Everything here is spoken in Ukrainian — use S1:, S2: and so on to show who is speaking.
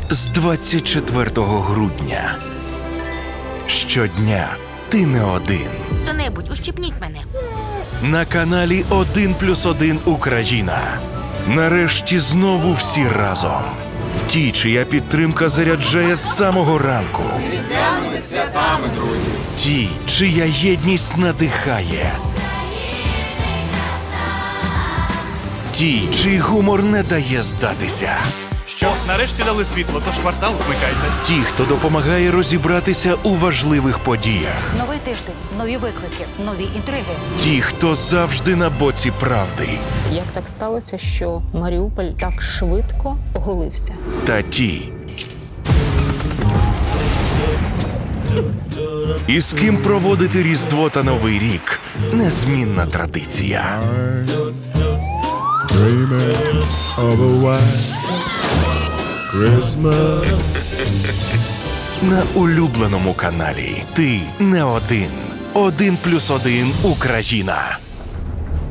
S1: з 24 грудня. Щодня ти не один.
S2: Хто-небудь, ущипніть мене.
S1: На каналі 1+1 Україна. Нарешті знову всі разом. Ті, чия підтримка заряджає з самого ранку.
S3: Різдвяними святами, друзі!
S1: Ті, чия єдність надихає. Ті, чий гумор не дає здатися.
S4: Що, нарешті дали світло, тож квартал вмикайте.
S1: Ті, хто допомагає розібратися у важливих подіях.
S2: Новий тиждень, нові виклики, нові інтриги.
S1: Ті, хто завжди на боці правди.
S5: Як так сталося, що Маріуполь так швидко оголився?
S1: Та ті, і з ким проводити Різдво та Новий рік – незмінна традиція.
S6: Dreaming of a white Christmas.
S1: На улюбленому каналі. Ти не один. 1+1 Україна.